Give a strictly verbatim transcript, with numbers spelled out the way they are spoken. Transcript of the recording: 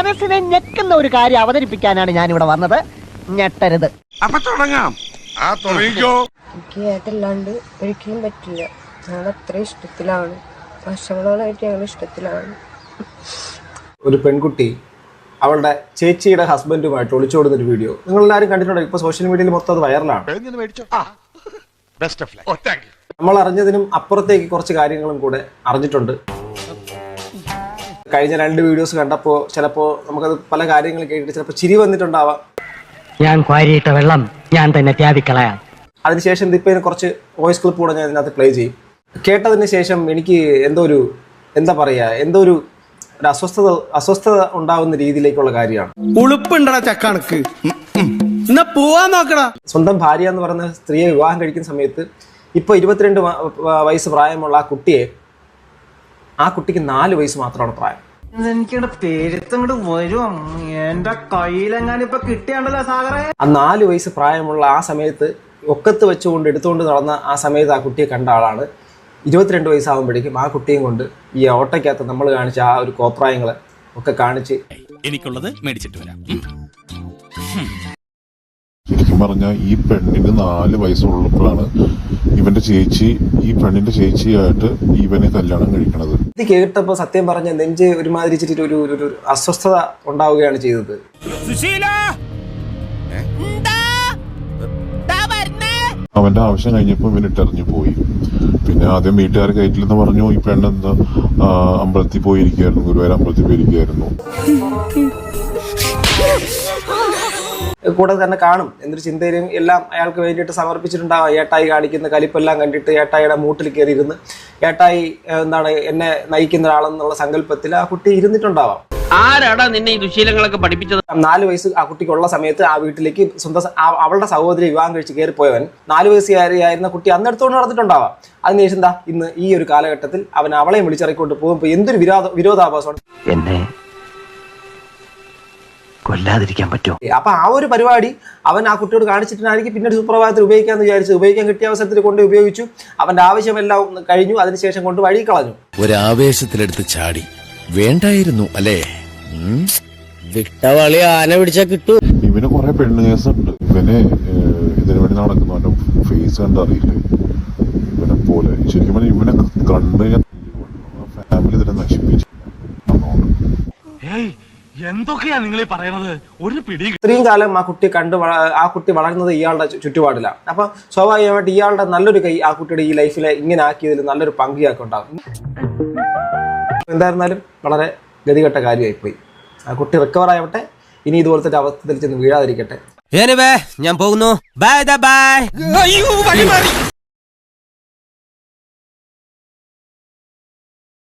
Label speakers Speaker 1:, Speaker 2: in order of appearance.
Speaker 1: മനസ്സിനെ ഞെക്കുന്ന ഒരു കാര്യം അവതരിപ്പിക്കാനാണ് ഞാൻ ഇവിടെ വന്നത്. ഞെട്ടരുത്.
Speaker 2: അപ്പൊ തുടങ്ങാം. ആ തുടങ്ങിക്കോ.
Speaker 3: എനിക്ക് ഏതല്ലാണ്ട് ഒരിക്കലും പറ്റില്ല. ഞങ്ങൾ അത്ര ഇഷ്ടത്തിലാണ്, വർഷങ്ങളോളായിട്ട് ഞങ്ങൾ ഇഷ്ടത്തിലാണ്.
Speaker 4: ഒരു പെൺകുട്ടി അവളുടെ ചേച്ചിയുടെ ഹസ്ബൻഡുമായിട്ട് ഒളിച്ചോടുന്ന ഒരു വീഡിയോ നിങ്ങൾ എല്ലാവരും കണ്ടിട്ടുണ്ടോ? ഇപ്പൊ സോഷ്യൽ മീഡിയയിൽ മൊത്തം അത് വൈറലാണ്. നമ്മൾ അറിഞ്ഞതിനും അപ്പുറത്തേക്ക് കുറച്ച് കാര്യങ്ങളും കൂടെ അറിഞ്ഞിട്ടുണ്ട്. കഴിഞ്ഞ രണ്ട് വീഡിയോസ് കണ്ടപ്പോൾ ചിലപ്പോൾ നമുക്കത് പല കാര്യങ്ങൾ കേട്ടിട്ട് ചിലപ്പോൾ ചിരി വന്നിട്ടുണ്ടാവാം.
Speaker 1: ഞാൻ ക്വാരിയിട്ട വെള്ളം ഞാൻ തന്നെ ത്യാഗിക്കളയാം.
Speaker 4: അതിനുശേഷം ഇതിപ്പോൾ കുറച്ച് വോയിസ് ക്ലിപ്പ് കൂടെ ഞാൻ ഇതിനകത്ത് പ്ലേ ചെയ്യും. കേട്ടതിന് ശേഷം എനിക്ക് എന്തോ ഒരു എന്താ പറയുക എന്തോ ഒരു ഒരു അസ്വസ്ഥത അസ്വസ്ഥത ഉണ്ടാവുന്ന രീതിയിലേക്കുള്ള കാര്യമാണ്.
Speaker 2: ഉളുപ്പുണ്ടടാ ചക്കണക്ക്.
Speaker 4: സ്വന്തം ഭാര്യ എന്ന് പറയുന്ന സ്ത്രീയെ വിവാഹം കഴിക്കുന്ന സമയത്ത് ഇപ്പൊ ഇരുപത്തിരണ്ട് വയസ്സ് പ്രായമുള്ള ആ കുട്ടിയെ ആ കുട്ടിക്ക് നാല് വയസ്സ് മാത്രമാണ് പ്രായം. ആ നാല് വയസ്സ് പ്രായമുള്ള ആ സമയത്ത് ഒക്കത്ത് വെച്ചുകൊണ്ട് എടുത്തുകൊണ്ട് നടന്ന ആ സമയത്ത് ആ കുട്ടിയെ കണ്ട ആളാണ് ഇരുപത്തിരണ്ട് വയസ്സാകുമ്പോഴേക്കും ആ കുട്ടിയും കൊണ്ട് ഈ ഓട്ടയ്ക്കകത്ത് നമ്മൾ കാണിച്ച ആ ഒരു കോപ്രായങ്ങള് ഒക്കെ കാണിച്ച്
Speaker 5: എനിക്കുള്ളത് മേടിച്ചിട്ട് വരാം.
Speaker 6: ശരിക്കും പറഞ്ഞാൽ ഈ പെണ്ണിന് നാല് വയസ്സുള്ളപ്പോഴാണ് ഇവന്റെ ചേച്ചി ഈ പെണ്ണിന്റെ ചേച്ചിയായിട്ട് ഇവനെ കല്യാണം കഴിക്കണത്.
Speaker 4: ഇത് കേട്ടപ്പോൾ സത്യം പറഞ്ഞ നെഞ്ച് ഒരുമാതിരി ഇച്ചിട്ട് ഒരു ഒരു അസ്വസ്ഥത ഉണ്ടാവുകയാണ് ചെയ്തത്.
Speaker 6: അവന്റെ ആവശ്യം കഴിഞ്ഞപ്പോൾ ഇവൻ ഇട്ടെറിഞ്ഞു പോയി. പിന്നെ ആദ്യം വീട്ടുകാർ കയറ്റില്ലെന്ന് പറഞ്ഞു. ഈ പെണ്ണെന്താ അമ്പലത്തിൽ പോയിരിക്കുകയായിരുന്നു, ഗുരുവായൂർ അമ്പലത്തിൽ പോയിരിക്കുകയായിരുന്നു.
Speaker 4: കൂടെ തന്നെ കാണും എന്നൊരു ചിന്തയിലും എല്ലാം അയാൾക്ക് വേണ്ടിയിട്ട് സമർപ്പിച്ചിട്ടുണ്ടാവാം. ഏട്ടായി കാണിക്കുന്ന കലിപ്പെല്ലാം കണ്ടിട്ട് ഏട്ടായിയുടെ മൂട്ടിൽ കയറി ഇരുന്ന് ഏട്ടായി എന്താണ് എന്നെ നയിക്കുന്ന ഒരാളെന്നുള്ള സങ്കല്പത്തിൽ ആ കുട്ടി ഇരുന്നിട്ടുണ്ടാവാം.
Speaker 7: ആരാടാ നിന്നെ ഈ ദുശീലങ്ങളൊക്കെ പഠിപ്പിച്ചത്?
Speaker 4: നാല് വയസ്സ് ആ കുട്ടിക്കുള്ള സമയത്ത് ആ വീട്ടിലേക്ക് സ്വന്തം അവളുടെ സഹോദരി വിവാഹം കഴിച്ച് കയറി പോയവൻ നാല് വയസ്സുകാരിയായിരുന്ന കുട്ടി അന്നെടുത്തോണ്ട് നടന്നിട്ടുണ്ടാവാം. അതിനുശേഷം എന്താ ഇന്ന് ഈ ഒരു കാലഘട്ടത്തിൽ അവൻ അവളെയും വിളിച്ചിറക്കിക്കൊണ്ട് പോകുമ്പോൾ എന്തൊരു വിരോധ വിരോധാഭാസമാണ്.
Speaker 1: എന്നെ കൊല്ലാതിരിക്കാൻ പറ്റുമോ?
Speaker 4: അപ്പൊ ആ ഒരു പരിപാടി അവൻ ആ കുട്ടിയോട് കാണിച്ചിട്ടായിരിക്കും പിന്നീട് സുപ്രഭാതത്തിൽ ഉപയോഗിക്കാന്ന് വിചാരിച്ചു. ഉപയോഗിക്കാൻ കിട്ടിയ അവസരത്തിൽ കൊണ്ട് ഉപയോഗിച്ചു. അവന്റെ ആവശ്യമെല്ലാം കഴിഞ്ഞു. അതിനുശേഷം കൊണ്ട് വഴി കളഞ്ഞു.
Speaker 5: ഒരാവേശത്തിലെടുത്ത് ചാടി വേണ്ടായിരുന്നു അല്ലേ?
Speaker 7: വിട്ടവളി ആന പിടിച്ചാ കിട്ടൂ.
Speaker 6: ഇവന് കുറെ പെണ്ണ് കേസുണ്ട്. ഇവന് ഇതിനു വേണ്ടി നടക്കുന്നു. അവന്റെ ഫേസ് കണ്ടറിയില്ലേ ഇവനെ പോലെ. ശരിക്കും പറഞ്ഞാൽ ഇവനെ കണ്ടു ഫാമിലി തന്നെ നശിപ്പിച്ചു.
Speaker 5: എന്തൊക്കെയാ നിങ്ങൾ പറയണത്? ഒരു പിടി.
Speaker 4: ഇത്രയും കാലം ആ കുട്ടി കണ്ട് ആ കുട്ടി വളർന്നത് ഇയാളുടെ ചുറ്റുപാടിലാണ്. അപ്പൊ സ്വാഭാവികമായിട്ട് ഇയാളുടെ നല്ലൊരു കൈ ആ കുട്ടിയുടെ ഈ ലൈഫിലെ ഇങ്ങനെ ആക്കിയതിൽ നല്ലൊരു പങ്ക് ഇയാൾക്ക് ഉണ്ടാകും. എന്തായിരുന്നാലും വളരെ ഗതികെട്ട കാര്യമായിപ്പോയി. ആ കുട്ടി റിക്കവർ ആവട്ടെ. ഇനി ഇതുപോലത്തെ അവസ്ഥയിൽ ചെന്ന് വീഴാതിരിക്കട്ടെ.
Speaker 7: ഞാൻ പോകുന്നു. Bye by.